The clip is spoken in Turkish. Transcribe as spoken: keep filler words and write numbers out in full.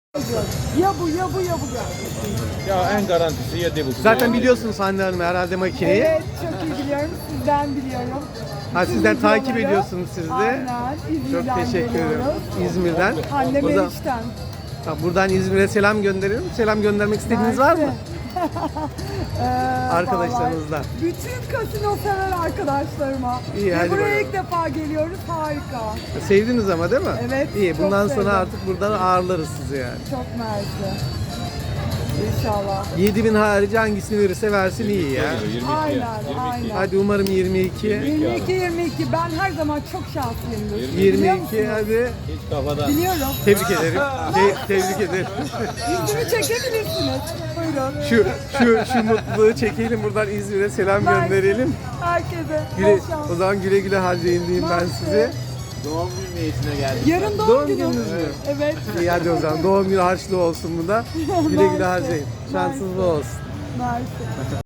Ya bu ya bu ya bu ya. Ya en garantisi yedi buçuk. Zaten biliyorsunuz Hande Hanım herhalde makineyi. Evet çok iyi biliyorum. Sizden biliyorum. Ha, Bütün sizden takip videoları- ediyorsunuz siz de. Aynen. Çok İzmir'den teşekkür ederim. geliyoruz. İzmir'den. Anne O zaman- Meriç'ten. Ha, buradan İzmir'e selam gönderiyorum. Selam göndermek istediğiniz var mı? Ee, Arkadaşlarınızdan. vallahi Bütün kasino sever arkadaşlarıma. İyi, Ve hadi buraya bakalım. ilk defa geliyoruz. Harika. Sevdiniz ama değil mi? Evet, İyi. çok Bundan sevdim. sonra artık buradan ağırlarız sizi yani. Çok mersi. İnşallah. yedi bin harici hangisini verirse versin iyi ya. Aynen, aynen. Hadi umarım yirmi iki. yirmi iki yirmi iki ben her zaman çok şanslıyımdır. Biliyor yirmi iki musunuz? hadi. Hiç kafada. Biliyorum. Tebrik ederim. Te- tebrik ederim. Yüzümü çekebilirsiniz. Buyurun. Şu şu şu mutluluğu çekelim, buradan İzmir'e selam Ben- gönderelim. Herkese. Güle, bol şans. o zaman güle güle harcayın diyeyim ben Mersi. size. Doğum günü niyetine geldik. Yarın doğum, Doğum günü. gününüz mü? Evet. İyi hadi o zaman doğum günü harçlığı olsun bu da. Güle güle Mersi. harcayın. Şansınız bol olsun. Mersi.